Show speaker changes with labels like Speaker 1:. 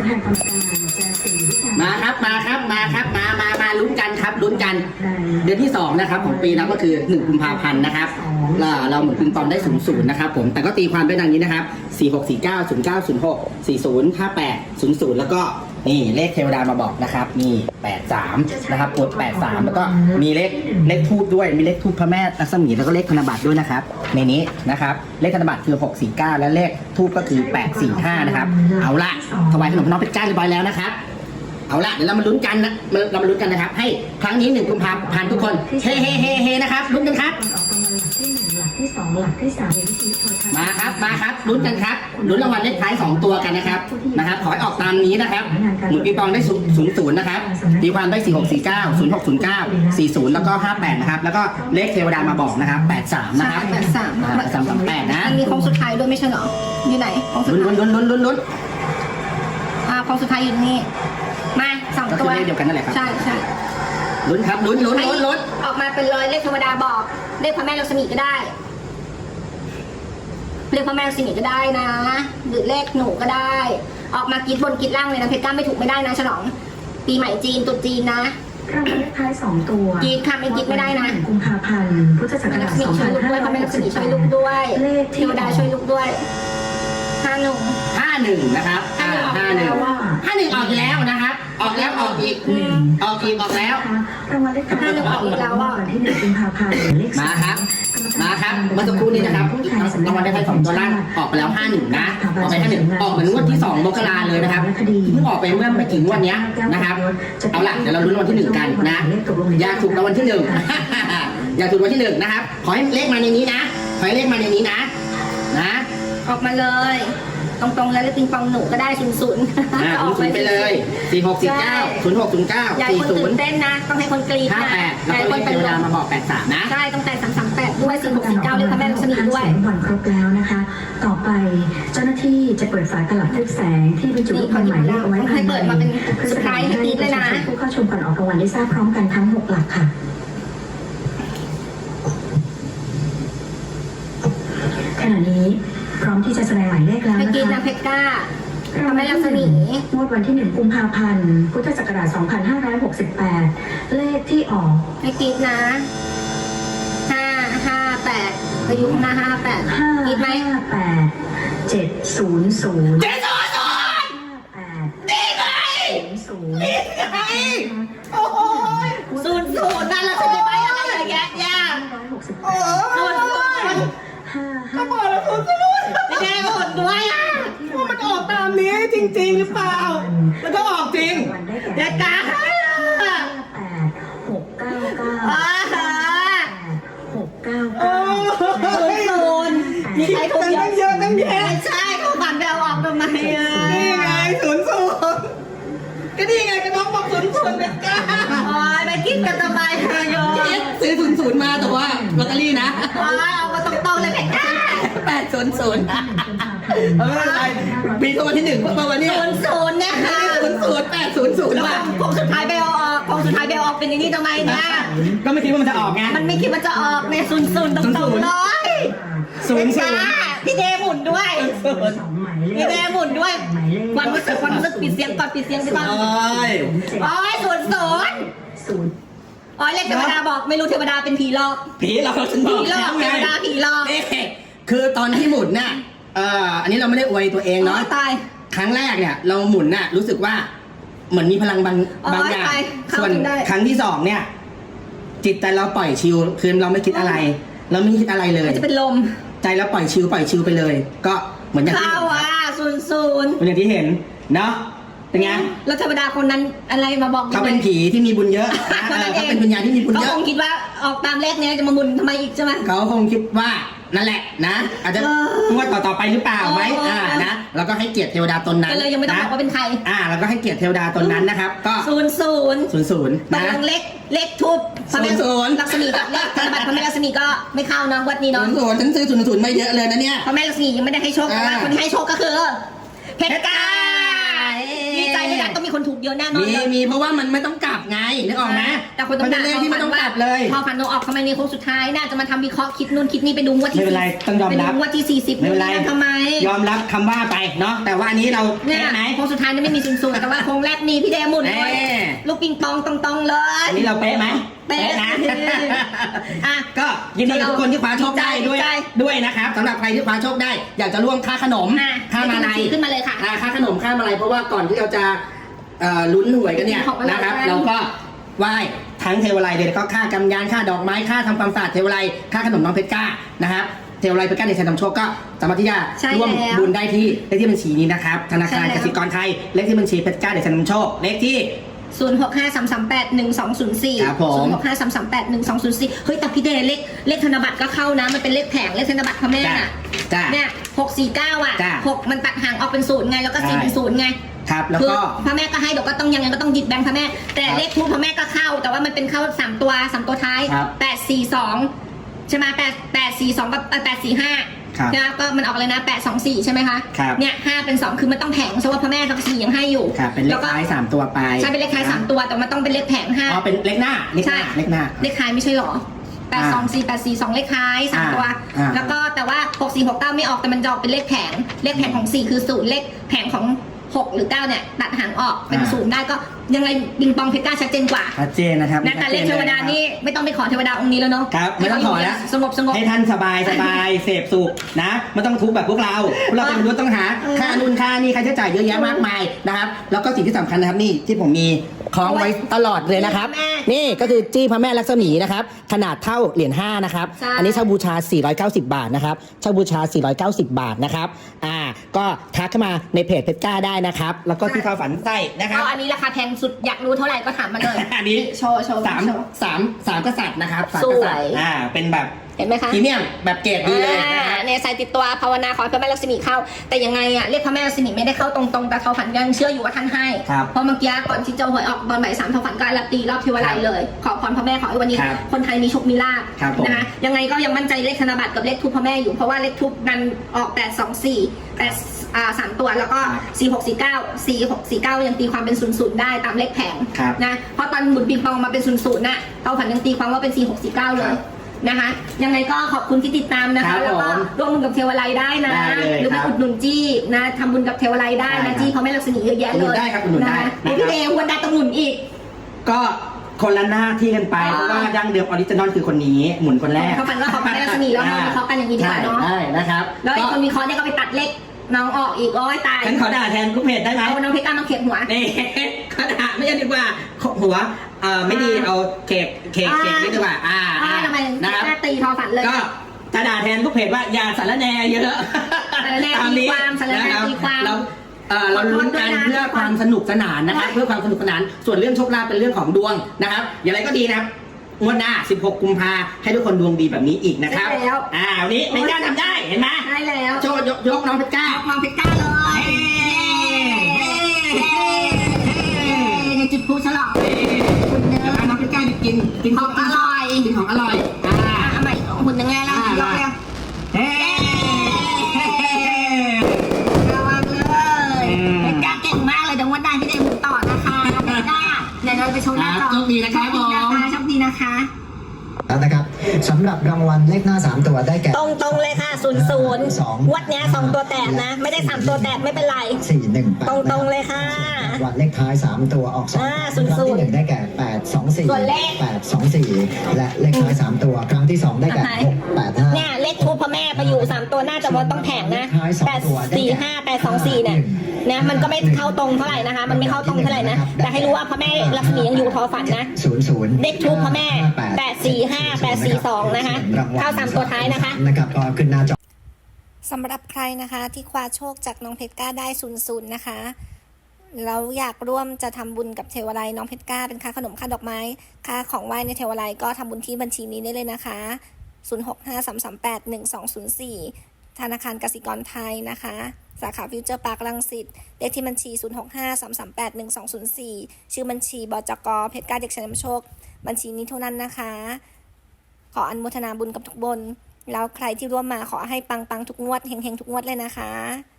Speaker 1: แทนกรรมการจะสีวิชา
Speaker 2: มาครับมาลุ้นกันครับลุ้นกันเดือนที่2นะครับของปีนั้นก็คือ1กุมภาพันธ์นะครับเราหมุนปิงปองได้00นะครับผมแต่ก็ตีความเป็นดังนี้นะครับ4649 0906 40 58 00แล้วก็นี่เลขเทวดามาบอกนะครับนี่83นะครับกด83แล้วก็มีเลขทูบด้วยมีเลขทูบพระแม่รัศมีแล้วก็เลขธนบัตรด้วยนะครับในนี้นะครับเลขธนบัตรคือ649และเลขทูบก็คือ845นะครับเอาละถวายขนมน้องเพชรจ้าเรียบร้อยแล้วนะครับเอาละเดี๋ยวเรามาลุ้นกันนะเรามาลุ้นกันนะครับให้ครั้งนี้1กุมภาพันธ์ทุกคนเฮ้นะครับลุ้นกันครับ
Speaker 1: หลักที่1หลักที่2หลักที่3วิธีโทรทัศน์
Speaker 2: มาครับลุ้นกันครับลุ้นรางวัลเลขท้าย2ตัวกันนะครับขอให้ออกตามนี้นะครับหมุนปิงปองได้00นะครับตีความได้4649 0609 40แล้วก็58นะครับแล้วก็เลขเทวดามาบอกนะครับ83นะครับ338นะ
Speaker 3: มีโค้งสุดท้ายด้วยไม่ใช่เหรออยู่ไหนโค้งสุดท้าย
Speaker 2: ลุ้น
Speaker 3: โค้งสุดท้ายอยู่นี่มา2ตัว
Speaker 2: เลขเดียวกันนั่นแหละครับ
Speaker 3: ใช่
Speaker 2: ลุ้นครับลุ้น
Speaker 3: ออกมาเป็นร้อยเลขเทวดาบอกเลขพระแม่ลักษมีก็ได้เลขพระแม่ลักษมีก็ได้นะหรือเลขหนูก็ได้ออกมากรีดบนกรีดล่างเลยนะเพชรก้าไม่ถูกไม่ได้นะฉลองปีใหม่จีนตุษจีนนะ
Speaker 1: รางวัลเลขท้าย2ตัว
Speaker 3: กรีดค่ะไม่กรีดไม่ได้นะ
Speaker 1: กุมภาพันธ์พุทธศักราช
Speaker 3: 2560ช่วยลูกด้วยพระแม่ลักษมีช่วยลูกด้วยเทวดาช่วยลูกด้วย
Speaker 2: 51นะครับ51ออกแล้วนะครับออกแล้วออกอีกแล้ว
Speaker 1: รางวัลเลขท้าย2ตัววันที่1กุมภาพันธ์เลข
Speaker 2: มาครับเมื่อสักครู่นี้นะครับรางวัลเลขท้าย2ตัวล่างออกไปแล้ว51นะออกไป51ออกเหมือนงวดที่2มกราเลยนะครับเพิ่งออกไปเมื่อไม่กี่งวดนี้นะครับเอาล่ะเดี๋ยวเราลุ้นรางวัลที่1กันนะอยากถูกรางวัลที่1อยากถูกรางวัลที่1นะครับขอให้เลขมาในนี้นะขอให้เลขมาในนี้นะ
Speaker 3: ออกมาเลยตรงๆแล้วเลขปิงปองหนูก็ได้00
Speaker 2: ออกไปเลย4649 0609
Speaker 3: อย่าให้คนตื่นเต้นนะต้องให้คนกรี๊ดนะ
Speaker 2: 58แล้วก็เลขเทวดามาบอก83นะ
Speaker 3: ใช่ต้องแต่338ด้วย4649เลขพระแม่ลักษมีด้วย
Speaker 1: วันครบแล้วนะคะต่อไปเจ้าหน้าที่จะเปิดฝาตลับทึบแสงที่บรรจุลูกบอลหมายเลขเอาไว้ภายใน
Speaker 3: เซอร์ไพรส์ให้กรี๊ดเลยนะ
Speaker 1: ผู้เข้าชมก่อนออกรางวัลได้ทราบพร้อมกันทั้ง6หลักค่ะขณะนี้พร้อมที่จะแสดงหมายเลขแล้วนะคะ
Speaker 3: เพชรเพชรก้าพระแม่ลักษมี
Speaker 1: งวดวันที่1กุมภาพันธ์พุทธศักราช2568เลขที่ออก
Speaker 3: ให้กรี๊ดนะ558อายุข้างหน้า558กรี๊ดไหม
Speaker 1: 700
Speaker 2: นี่ไงโอ้โห
Speaker 3: 00นั่นแหละจะมีใบอะไรอย่างเงี้ย
Speaker 2: ก็บอกแล้ว
Speaker 3: ไม่ได้ผลด้วย
Speaker 2: ว่ามันออกตามนี้จริงๆหรือเปล่าแล้วก็ออกจริง
Speaker 3: เด็กกา
Speaker 2: มีใครถูกเยอะตั้งแยะ
Speaker 3: ใช่เขาฝันไปเอาออกทำไม
Speaker 2: นี่ไง00ก็นี่ไงก็น้องบอก00เด็กกา
Speaker 3: ไปคิดกันทำไมโย
Speaker 2: ซื้อ00มาแต่ว่าลอตเตอรี่นะ
Speaker 3: เอามาตรงๆเลยเด็กกา
Speaker 2: 800อะไรปีตัววันที่1เพราะวันนี้
Speaker 3: 00เนี่ยค่ะ
Speaker 2: 00 800
Speaker 3: แล้วคงสุดท้ายไปเอาออกเป็นอย่างนี้ทำไมเนี่ย
Speaker 2: ก็ไม่คิดว่ามันจะออกไง
Speaker 3: มันไม่คิดว่าจะออกเนี่ย00ตรงๆเลย00พี่เดหมุนด้วยพี่เดหมุนด้วยความรู้สึกปิดเสียงก่อนไปก่อนโอ้ย00อ๋อเลขเทวดาบอกไม่รู้เทวดาเป็นผีหลอก
Speaker 2: ฉันบอก
Speaker 3: เทวดาผีหลอก
Speaker 2: คือตอนที่หมุนน่ะอันนี้เราไม่ได้อวยตัวเองเนาะครั้งแรกเนี่ยเราหมุนน่ะรู้สึกว่าเหมือนมีพลังบางอย่างส่วนครั้งที่2เนี่ยจิตใจเราปล่อยชิลคือเราไม่คิดอะไรเราไม่คิดอะไรเลย
Speaker 3: จะเป็นลม
Speaker 2: ใจเราปล่อยชิลไปเลยก็เหมือนอย่างที่
Speaker 3: เข้า00
Speaker 2: เหมือนอย่างที่เห็นเนาะเป็นไง
Speaker 3: แล้วเทวดาคนนั้นอะไรมาบอก
Speaker 2: เขาเป็นผีที่มีบุญเยอะเขาเป็นวิญญาณที่มีบุญเยอะ
Speaker 3: เขาคงคิดว่าออกตามเลขนี้จะมาบุญทำไมอีกใช่ไหม
Speaker 2: เขาคงคิดว่านั่นแหละนะอาจจะงวดต่อไปหรือเปล่าไหมนะแล้วก็ให้เกียรติเทวดาตนนั้น
Speaker 3: เลยยังไม่ต้องบอกว่าเป็นใคร
Speaker 2: แล้วก็ให้เกียรติเทวดาตนนั้นนะครับก็
Speaker 3: 00นะเลขทูบพระแม่ลักษมีกับเลขธนบัตรพระแม่ลักษมีก็ไม่เข้าเนาะวัดนี้เนาะ
Speaker 2: ฉันซื้อ00ไม่เยอะเลยนะเนี่ย
Speaker 3: พระแม่ลักษมียังไม่ได้ให้โชคแต่ว่าคนที่ให้โชคก็คือเพชรกาดีใจไม่ได้ต้องมีคนถูกเยอะแน่นอนเลย
Speaker 2: มีเพราะว่ามันไม่ต้องกลับไงนึกออกไหม
Speaker 3: แต่คนต้อง
Speaker 2: มันเป็นเลขที่ไม่ต้องกลับเลย
Speaker 3: พอฝันออกทำไมในโค้งสุดท้ายน่าจะมาทำวิเคราะห์คิดนู่นคิดนี่ไปดูว่าที่
Speaker 2: ไม่เป็นไรต้องยอมรับ
Speaker 3: ไปดูว่าที่40
Speaker 2: ไม่เป็นไร
Speaker 3: ทำไม
Speaker 2: ยอมรับคำว่าไปเนาะแต่ว่าอันนี้เรา
Speaker 3: เนี่ย
Speaker 2: เป๊ะไหม
Speaker 3: โค้งสุดท้ายนี่ไม่มีศูนย์แต่ว่าโค้งแรกมีพี่เดหมุนด้วย
Speaker 2: แน่
Speaker 3: ลูกปิงปองตรงๆเลย
Speaker 2: อันนี้เราเป๊ะไหม
Speaker 3: เป๊ะ
Speaker 2: นะ
Speaker 3: อ่ะ
Speaker 2: ก็ยินดีกับทุกคนที่คว้าโชคได้ด้วย
Speaker 3: ใจ
Speaker 2: ด้วยนะครับสำหรับใครที่คว้าโชคได้ อยากจะร่วมค่าขนม
Speaker 3: อ่ะ
Speaker 2: ค่ามาลัย
Speaker 3: ขึ้นมาเลยค่ะ
Speaker 2: ค่าขนมค่ามาลัยเพราะว่าก่อนที่เราจะลุ้นหวยกันเนี่ย
Speaker 3: ของอะไร
Speaker 2: นะครับ
Speaker 3: กัน
Speaker 2: เราก็ไหว้ทั้งเทวไลยเลยแล้วก็ค่ากำยานค่าดอกไม้ค่าทำความสะอาดเทวไลยค่าขนมน้องเพชรก้านะครับเทวไลยเพชรก้าในชัยนำโชคก็สามารถที่จะ
Speaker 3: ใช่
Speaker 2: ร่วม
Speaker 3: แล้ว
Speaker 2: บุญได้ที่เลขที่บัญชีนี้นะครับธนาคาร
Speaker 3: ใช่แล้ว
Speaker 2: กสิกรไทยเลขที่บัญชีเพชรก้าในชัยนำโชคเลขที่
Speaker 3: 0653381204
Speaker 2: ครับผม
Speaker 3: 0653381204เฮ้ยแต่พี่เดเลขธนบัตรก็เข้านะมันเป็นเลขแผงเลขธนบัตรพ่อแม่น่ะ
Speaker 2: จ้ะ
Speaker 3: เนี่ย649อ่ะ
Speaker 2: จ้ะ
Speaker 3: 6มันตัดห่างออกเป็น0ไงแล้วก็
Speaker 2: ใช่
Speaker 3: 4เป็น0ไง
Speaker 2: ครับแล้ว
Speaker 3: คือ
Speaker 2: ก็
Speaker 3: พ่อแม่ก็ให้เดี๋ยวก็ต้องยังไงก็ต้องหยิบแบงค์พ่อแม่ แต่
Speaker 2: ครับ
Speaker 3: เลขทูปพ่อแม่ก็เข้า แต่ว่ามันเป็นเข้า3ตัวท้าย
Speaker 2: ครับ
Speaker 3: 842ใช่ไหม842กับ845
Speaker 2: ครับ
Speaker 3: นะก็มันออกเลยนะ824ใช่ไหมคะ
Speaker 2: ครับ
Speaker 3: เนี่ย5เป็น2คือมันต้องแผงเพราะว่าพ่อแม่ทั้ง4ยังให้อยู่
Speaker 2: ครับเป็นเล
Speaker 3: แล้
Speaker 2: ข
Speaker 3: วก็
Speaker 2: ท้าย3ตัวไป
Speaker 3: ใช่เป็นเลขท้าย3ตัวแต่มันต้องเป็นเลขแผง
Speaker 2: อ๋อเป็นเลขหน้าเลขหน้า
Speaker 3: ใช่
Speaker 2: เลขหน้า
Speaker 3: เลขท้ายไม่ใช่หรอ824 842เลขท้าย3ตัว
Speaker 2: อ่า
Speaker 3: แล้วก็แต่ว่า6469ไม่ออกแต่มันจะออกเป็นเลขแผงเลขแผงของ4คือ0เลขแผงของ6หรือ9เนี่ยตัดหางออกเป็น0ได้ก็ยังไงบิงปองเพชรกล้าชัดเจนกว่า
Speaker 2: ชัดเจนนะครับ
Speaker 3: นะแต่เลขเทวดานี่ไม่ต้องไปขอเทวดาองค์นี้แล้วเนาะ
Speaker 2: ครับไม่ต้องขอแล้ว
Speaker 3: สงบ
Speaker 2: ให้ท่านสบายเสพสุขนะไม่ต้องทุกข์แบบพวกเราเป็นมนุษย์ต้องหาค่านู่นค่านี่ค่าใช้จ่ายเยอะแยะมากมายนะครับแล้วก็สิ่งที่สำคัญนะครับนี่ที่ผมมีคล้องไว้ตลอดเลยนะครับ นี่ก็คือจี้พระแม่ลักษมีนะครับขนาดเท่าเหรียญ5นะครับอันนี้เช่าบูชา 490 บาทนะครับเช่าบูชา 490 บาทนะครับก็ทักเข้ามาในเพจเพชรก้าได้นะครับแล้วก็ที่เข้าฝันใต้นะครับ
Speaker 3: ก็อันนี้ราคาแพงสุดอยากรู้เท่าไหร่ก็ถามมาเลย
Speaker 2: อันนี้
Speaker 3: โชว์
Speaker 2: สามกษัตริย์นะครับ3
Speaker 3: ส
Speaker 2: ก
Speaker 3: วย
Speaker 2: ษัตริย์เป็นแบบ
Speaker 3: เห็นไหมคะ
Speaker 2: พรีเมียมแบบเกรดดีเลยนะฮะ
Speaker 3: เนี่ยใส่ติดตัวภาวนาขอให้พระแม่ลักษมีเข้า แต่ยังไงอะเรียกพระแม่ลักษมีไม่ได้เข้าตรงๆแต่เขาฝันยังเชื่ออยู่ว่าท่านให้
Speaker 2: ครับ
Speaker 3: เพราะเมื่อกี้ก่อนที่จะหวยออกตอนบ่าย3เขาฝันก็รับตีรอบเทวไลยเลย ขอพรพระแม่ขอให้วันนี้
Speaker 2: ครับ
Speaker 3: คนไทยมีโชคมีลาภ
Speaker 2: ครับผม
Speaker 3: นะคะยังไงก็ยังมั่นใจเลขธนบัตรกับเลขทูปพระแม่อยู่เพราะว่าเลขทูปนั้นออก824 3ตัวแล้วก็4649 ยังตีความเป็น00ได้ตามเลขแผง
Speaker 2: ครับ
Speaker 3: นะเพราะตอนหมุนปิงปองมาเป็น00น่ะเขาฝันยังตีความว่าเป็น4649เลยนะคะยังไงก็ขอบคุณที่ติดตามนะ
Speaker 2: ครั
Speaker 3: คะ
Speaker 2: บ
Speaker 3: แล้วก็
Speaker 2: ผม
Speaker 3: ร่วมบุญกับเทวไลยได้นะ
Speaker 2: ได้เลย
Speaker 3: หรือไป
Speaker 2: ครับ
Speaker 3: อุดหนุนจี้นะทำบุญกับเทวไลยได้
Speaker 2: ได้
Speaker 3: นะครับ จี้เพราะแม่ลักษมีเยอะแยะ
Speaker 2: อุดห
Speaker 3: เล
Speaker 2: นุน
Speaker 3: ย
Speaker 2: ได้ครับอุดหนุนได้
Speaker 3: ะ
Speaker 2: นะครับ
Speaker 3: พี่เดย์วันใดต้องหนุนอีก
Speaker 2: ก็คนละหน้าที่กันไป
Speaker 3: อ๋อ
Speaker 2: เพราะว่าดั้งเดิมออริจินอลคือคนนี้หมุนคนแรก
Speaker 3: เขาฝันว่าเขาเป็นแม่ลักษมีแล้วเราวิเคราะห์กันอย่างนี้ดีกว่าเนาะ
Speaker 2: ใช่นะครับ
Speaker 3: แล้วไอ้คนวิเคราะห์เนี่ยก็ไปตัดเลขน้องออกอีกโอ้ยตาย
Speaker 2: ฉันขอด่าแทนลูกเพจได้ไหม
Speaker 3: เอาน้องเพชรกล้ามาเขียนหัว
Speaker 2: นี่ ขอด่าไม่ใช่ดีกว่าหัวไม่ดีเอาเค้กนี่ดีกว่า
Speaker 3: ทำไม
Speaker 2: นะครับ
Speaker 3: หน้าตีทอฝันเลย
Speaker 2: ก็จะด่าแทนลูกเพจว่าอย่าสารแหน่เยอะ
Speaker 3: สารแหน่ตีความสารแหน่
Speaker 2: นะครับ
Speaker 3: ตีความ
Speaker 2: เราลุ้นกันเพื่อความสนุกสนานนะครับ เพื่อความสนุกสนานส่วนเรื่องโชคลาภเป็นเรื่องของดวงนะครับอย่างไรก็ดีนะครับงวดหน้า 16 กุมภาให้ทุกคนดวงดีแบบนี้อีกนะครับ
Speaker 3: ได้แล้ว
Speaker 2: วันนี้ไม่กล้าทำได้เห็นไหม
Speaker 3: ได้แล้ว
Speaker 2: โชว์ยกน้องเพชรกล้า
Speaker 3: น้องเพชรกล้าเลยในจุดพลุฉลองคุณเนื้อ
Speaker 2: น้องเพชรกล้ากิน
Speaker 3: ของอร่อย
Speaker 2: กินของอร่อย
Speaker 3: ทำไมหุ่นยังไงล่ะยกเร็ว
Speaker 2: เฮ้
Speaker 3: ระวังเลยเพชรกล้าเก่งมากเลยเดี๋ยววันหน้าพี่เดย์หมุนต่อนะคะเพชรกล้าเดี๋ยวเราไปชมหน้าจอ
Speaker 2: โชคดีนะครับผม
Speaker 3: โชคดีนะคะ
Speaker 4: แล้วนะครับสำหรับรางวัลเลขหน้า 3 ตัวได้แก่
Speaker 3: ตรงเลยค่ะ00วัดเนี้ย2ตัวแตกนะ ไม่ได้3ตัวแตกไม่เป็นไร
Speaker 4: 418
Speaker 3: ตรงเลยค่ะ
Speaker 4: รางวัลเลขท้าย 3 ตัวออก2
Speaker 3: อ่า
Speaker 4: ครั้งที่ 1 ได้แก่
Speaker 3: ส่วนเลข
Speaker 4: 824 และเลขท้าย 3 ตัวครั้งที่ 2 ได้แก่
Speaker 3: เนี่ยเลขทูปพ่อแม่ไปอยู่3ตัวน่าจะว่าต้องแผงนะ845 824เนี่ยนะมันก็ไม่เข้าตรงเท่าไหร่นะคะ มันไม่เข้าตรงเท่าไหร่นะแต่ให้รู้ว่าพ่อแม่ลักษมียังอยู่ทอฝันนะ
Speaker 4: 00
Speaker 3: เลขทูปพ่อแม่845 842นะคะเข้า3ตัวท้ายนะคะ
Speaker 4: นะครับก็ขึ้นหน้าจอ
Speaker 5: สำหรับใครนะคะที่คว้าโชคจากน้องเพชรกล้าได้00นะคะแล้วอยากร่วมจะทำบุญกับเทวไลยน้องเพชรกล้าเป็นค่าขนมค่าดอกไม้ค่าของไหว้ในเทวไลยก็ทำบุญที่บัญชีนี้ได้เลยนะคะ0653381204ธนาคารกสิกรไทยนะคะสาขาฟิวเจอร์พาร์ครังสิตเลขที่บัญชี0653381204ชื่อบัญชีบจก.เพชรกล้าเด็กชายนำโชคบัญชีนี้เท่านั้นนะคะขออนุโมทนาบุญกับทุกบนแล้วใครที่ร่วมมาขอให้ปังๆทุกงวดเฮงๆทุกงวดเลยนะคะ